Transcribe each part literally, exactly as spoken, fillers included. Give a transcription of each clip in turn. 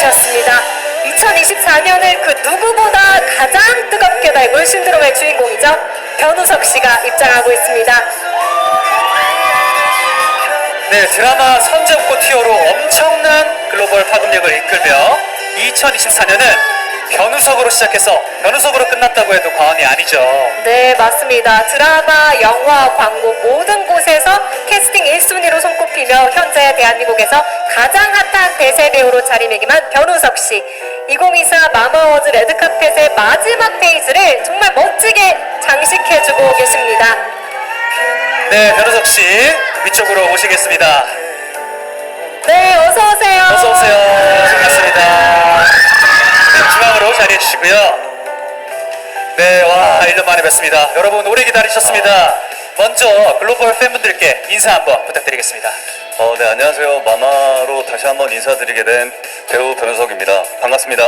해주셨습니다. 이천이십사 년을 그 누구보다 가장 뜨겁게 달군 신드롬의 주인공이죠. 변우석 씨가 입장하고 있습니다. 네, 드라마 선제옥고 티어로 엄청난 글로벌 파급력을 이끌며 이천이십사 년은 변우석으로 시작해서 변우석으로 끝났다고 해도 과언이 아니죠. 네, 맞습니다. 드라마, 영화, 광고 모든 곳에서 캐스팅 일 순위로 손꼽히며 현재 대한민국에서 가장 핫한 대세 배우로 자리매김한 변우석 씨. 이천이십사 마마워즈 레드카펫의 마지막 페이지를 정말 멋지게 장식해주고 계십니다. 네, 변우석 씨 위쪽으로 오시겠습니다. 네, 어서 오세요. 어서 오세요. 반갑습니다. 네, 중앙으로 자리해 주시고요. 네, 와, 일 년 만에 뵙습니다. 여러분 오래 기다리셨습니다. 먼저 글로벌 팬분들께 인사 한번 부탁드리겠습니다. 어, 네, 안녕하세요. 마마로 다시 한번 인사드리게 된 배우 변우석입니다. 반갑습니다.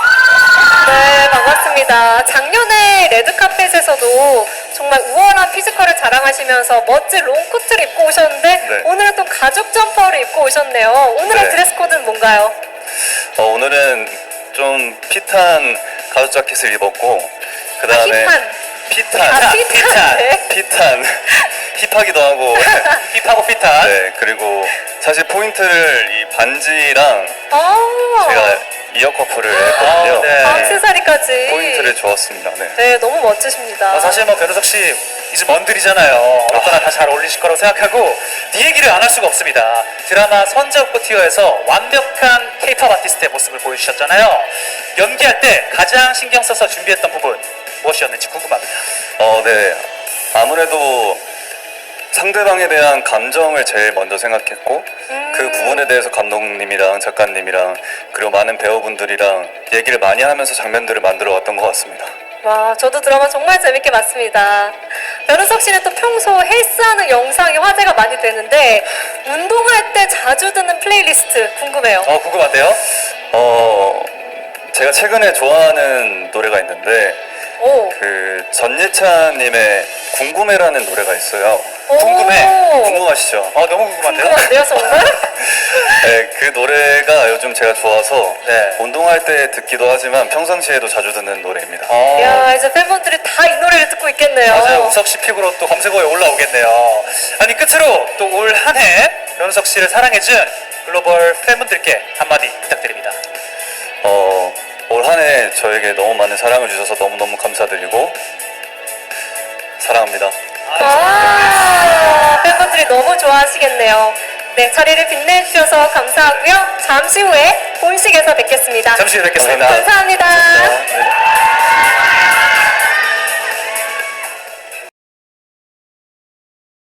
네, 반갑습니다. 작년에 레드카펫에서도 정말 우월한 피지컬을 자랑하시면서 멋진 롱코트를 입고 오셨는데 네. 오늘은 또 가죽 점퍼를 입고 오셨네요. 오늘의 네. 드레스 코드는 뭔가요? 어, 오늘은 좀 핏한 가죽 자켓을 입었고, 그 다음에 힙한. 핏한, 아, 핏한. 네. 핏한, 힙하기도 하고, 힙하고 핏한. 네, 그리고 사실 포인트를 이 반지랑 아, 제가 이어 커플을 했거든요. 아, 네. 액세서리까지. 포인트를 주었습니다. 네. 네, 너무 멋지십니다. 어, 사실 뭐 변우석 씨 이제 먼들이잖아요. 어떠나 다 잘 어울리실 거라고 생각하고 이 얘기를 안 할 수가 없습니다. 드라마 선제옥고 티어에서 완벽한 K-팝 아티스트의 모습을 보여주셨잖아요. 연기할 때 가장 신경 써서 준비했던 부분 무엇이었는지 궁금합니다. 어, 네. 아무래도 상대방에 대한 감정을 제일 먼저 생각했고, 음. 그 부분에 대해서 감독님이랑 작가님이랑 그리고 많은 배우분들이랑 얘기를 많이 하면서 장면들을 만들어 왔던 것 같습니다. 와, 저도 드라마 정말 재밌게 봤습니다. 변우석 씨는 또 평소 헬스하는 영상이 화제가 많이 되는데 운동할 때 자주 듣는 플레이리스트 궁금해요. 어 궁금한데요? 어, 제가 최근에 좋아하는 노래가 있는데, 오. 그 전예찬님의 궁금해라는 노래가 있어요. 오. 궁금해. 궁금하시죠? 어 너무 궁금한데요? 궁금한데요, 정말? 네, 그 노래가 요즘 제가 좋아서 네. 운동할 때 듣기도 하지만 평상시에도 자주 듣는 노래입니다. 어, 야, 이제 팬분들이 다 이 노래를 듣고 있겠네요. 맞아요. 우석 씨 픽으로 또 검색어에 올라오겠네요. 아니 끝으로 또 올 한 해 변우석 씨를 사랑해준 글로벌 팬분들께 한마디 부탁드립니다. 어, 올 한 해 저에게 너무 많은 사랑을 주셔서 너무너무 감사드리고 사랑합니다. 와, 팬분들이 너무 좋아하시겠네요. 네, 자리를 빛내주셔서 감사하고요. 잠시 후에 본식에서 뵙겠습니다. 잠시 후에 뵙겠습니다. 감사합니다.